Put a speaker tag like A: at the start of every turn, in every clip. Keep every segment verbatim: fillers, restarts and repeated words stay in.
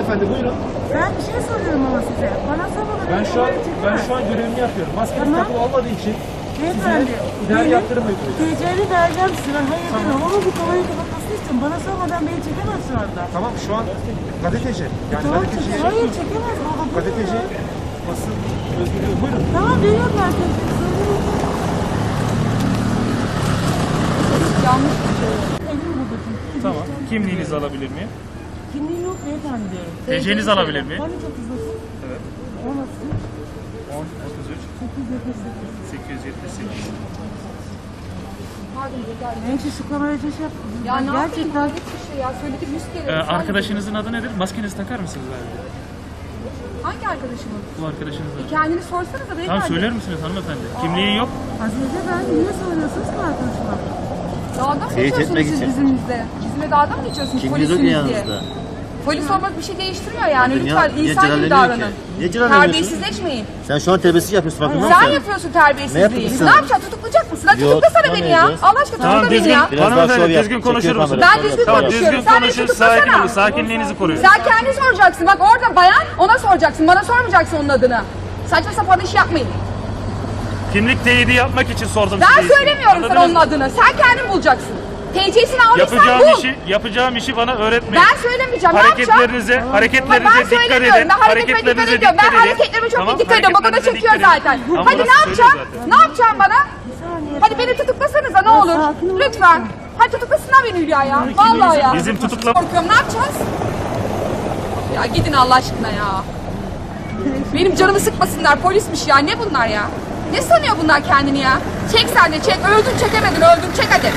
A: Hanımefendi buyurun.
B: Ben bir şey soruyorum ama size. Bana sormadan
A: Ben
B: önce
A: şu an
B: olayı çekemez.
A: ben şu an görevimi yapıyorum. Maskeniz
B: Tamam.
A: takılı olmadığı için
B: Beyefendi,
A: size idari yaptırım uygulayacağım.
B: T C'ni vereceğim size. Ben hayır
A: Tamam.
B: demem ama bu konuyu kapatmasını istiyorum. Bana sormadan beni çekemez şu anda.
A: Tamam şu an gazeteci. Yani
B: Tamam
A: gazeteci.
B: çekemez. Hayır çekemez. Baba, bu
A: Gazeteci
B: ne?
A: basın özgürlüğü. Buyurun.
B: Tamam veriyorum ben size. Yanlış bir şey. Elim burada çünkü.
C: Tamam. Kimliğinizi alabilir miyim?
B: Kimliği yok beyefendi diyorum.
C: T C'nizi alabilir miyim?
B: Hani çok hızlısın?
C: Evet.
B: O nasıl?
C: on otuz üç
B: sekiz yüz yetmiş sekiz.
C: sekiz yüz yetmiş sekiz.
B: Neyse şu kamerayı şey yap.
D: Ya ne yapayım?
B: Gerçekten.
D: Hayret bir şey ya. Söyledik yüz kere.
C: Ee,
D: Sen-
C: arkadaşınızın adı nedir? Maskenizi takar mısınız abi?
D: Hangi arkadaşımın?
C: Bu arkadaşınızın adı.
D: Kendini sorsanıza beyefendi.
C: Tamam söyler misiniz hanımefendi? Kimliği yok.
B: Azize ben niye soruyorsunuz ki arkadaşıma?
D: Dağda mı
E: Teyit
D: geçiyorsunuz
E: etmek
D: siz
E: için.
D: bizimle? Bizimle dağda mı geçiyorsunuz
E: Kimliğiniz yok
D: polisiniz
E: ya
D: diye?
E: yanınızda.
D: Polis olmak bir şey değiştirmiyor yani.
E: Niye-
D: Lütfen
E: niye
D: insan gibi
E: celaleniyor ki?
D: davranın.
E: Niye celaleniyorsun?
D: Terbiyesizleşmeyin.
E: Sen şu an terbiyesizlik yapıyorsun farkında mısın?
D: Sen yapıyorsun terbiyesizliği.
E: Ne yapıyorsun?
D: Ne yapacaksın? Tutuklayacak mısın? Hadi
E: Yok,
D: tutuklasana beni ya.
E: tutamayacağız.
D: Allah aşkına
C: Tamam
D: tutukla beni
C: düzgün.
D: ya.
E: Biraz daha
C: Hanımefendi
E: şov yap.
C: düzgün
E: Çekiyor
C: konuşur musunuz?
E: kamerayı.
D: Ben düzgün
C: Tamam
D: konuşuyorum.
C: düzgün
D: Sen beni
C: konuşun.
D: tutuklasana.
C: Sakin olun. Sakinliğinizi koruyun.
D: Sen kendi soracaksın. Bak orada bayan ona soracaksın. Bana sormayacaksın onun adını. Saçma sapan iş yapmayın.
C: Kimlik teyidi yapmak için sordum
D: Ben
C: size.
D: söylemiyorum sana
C: Anladınız
D: onun
C: mı?
D: adını. Sen kendin bulacaksın. T C'sini aldıysan
C: Yapacağım
D: bul.
C: işi, yapacağım işi bana öğretmeyin.
D: Ben söylemeyeceğim. Ne yapacağım?
C: Hareketlerinize,
D: Hayır,
C: hareketlerinize
D: ben
C: dikkat
D: söylemiyorum.
C: edin.
D: Ben hareketime dikkat ediyorum. Ben hareketlerime çok
C: Tamam,
D: iyi dikkat ediyorum. Bak o da
C: hareketlerinize
D: çekiyor
C: dikkat edin.
D: zaten.
C: Ama
D: Hadi
C: burası
D: ne
C: söylüyor
D: yapacağım?
C: zaten.
D: Ne yapacağım bana?
B: Bir saniye.
D: Hadi beni tutuklasanıza ne olur.
B: sakin ol.
D: Lütfen. Hadi tutuklasınlar beni Hülya ya. Vallahi ya.
C: Bizim tutukla...
D: Korkuyorum. Ne yapacağız? Ya gidin Allah aşkına ya. Benim canımı sıkmasınlar. Polismiş ya. Ne bunlar ya? Ne sanıyor bunlar kendini ya? Çek sen de çek. Öldün çekemedin. Öldün çek hadi.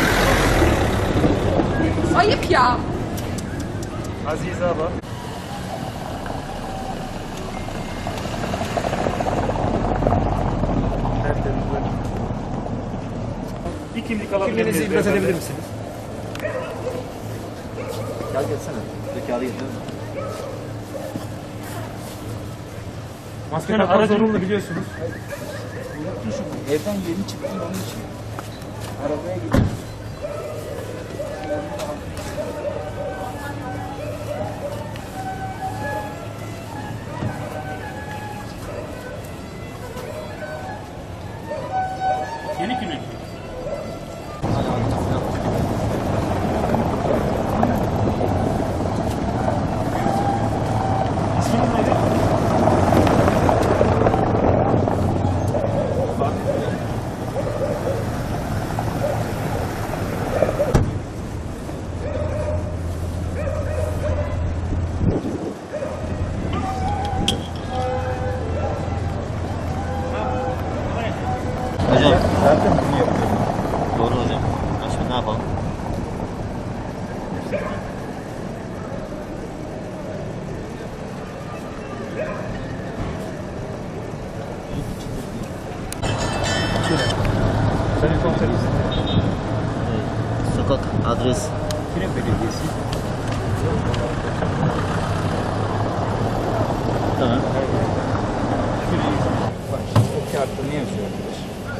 D: Ayıp ya.
C: Azize abla. Bir kimlik alabilir
A: Kimliğinizi
C: miyiz
A: ibraz
C: beyefendi?
A: edebilir misiniz?
E: Gel gelsene. Zekalı getir.
A: Maske
C: Yani
A: takmak
C: aracın-
A: zorunlu biliyorsunuz.
F: Evden yeni çıktım onun için. Arabaya gittim.
C: Yeni kimlik. İsminiz neydi?
E: Hocam.
F: Zaten bunu yapıyorum.
E: Doğru hocam. Başka ne yapalım?
A: Sayın komiserim.
E: Ee, sokak, adres.
F: Kire Belediyesi.
E: Tamam.
F: Bak şimdi o kağıtta ne yazıyor arkadaş?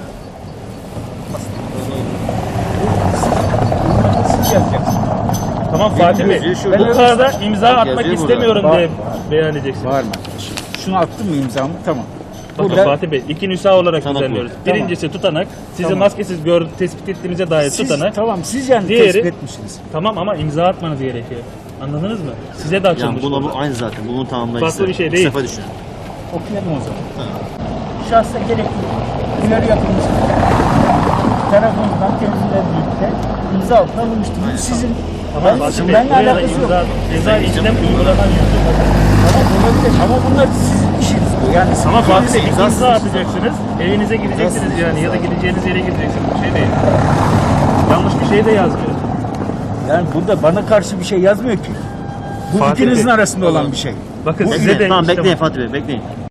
F: Siz, siz yazacaksınız.
C: Tamam Fatih Bey.
E: yazıyor şurada.
C: Bu kağıda imza
E: Bak,
C: atmak
E: yazıyor
C: istemiyorum
F: burada.
C: diye beyan edeceksiniz.
F: Var mı? Şunu attım mı imzamı? Tamam.
C: Bakın
F: Burada
C: Fatih Bey, iki nüsha olarak
E: Tutanak
C: düzenliyoruz.
E: bu.
C: Birincisi tutanak, sizi
F: Tamam.
C: maskesiz gör, tespit ettiğimize dair
F: siz,
C: tutanak.
F: tamam siz yani
C: Diğeri-
F: tespit etmişsiniz.
C: Tamam ama imza atmanız gerekiyor. Anladınız mı? Size de
E: Yani
C: açılmış.
E: buna
C: burada.
E: bu aynı zaten. Bunun tamamlayıcısı.
C: Farklı bir şey
E: İki
C: değil.
E: sefer düşün.
F: Okuyalım o zaman.
E: Tamam.
F: Şahsa gerekli uyarı yapılmış tarafından temizle birlikte imza altına alınmıştır. Bu sizin
C: Tamam
F: ben,
C: Fatih Bey,
F: benimle
C: buraya da
F: alakası yok.
C: imza, ceza işlem uygulanan yazıyor.
F: Tamam olabilir ama bunlar sizin işiniz bu. Yani
C: Ama Fatih
E: İkiniz
C: Bey
E: de
C: imza
E: imzasız.
C: atacaksınız, evinize gideceksiniz
E: İmzasız
C: yani ya da
E: imza.
C: gideceğiniz yere gideceksiniz. Bir şey değil. Yanlış bir şey de yazmıyor.
F: yani burada bana karşı bir şey yazmıyor ki. Bu
C: Fatih
F: ikinizin
C: Bey,
F: arasında olan bir şey.
C: Bakın
F: Bu
C: size de
E: Bekleyin. Tamam
C: işte
E: bekleyin
C: bak-
E: Fatih Bey bekleyin.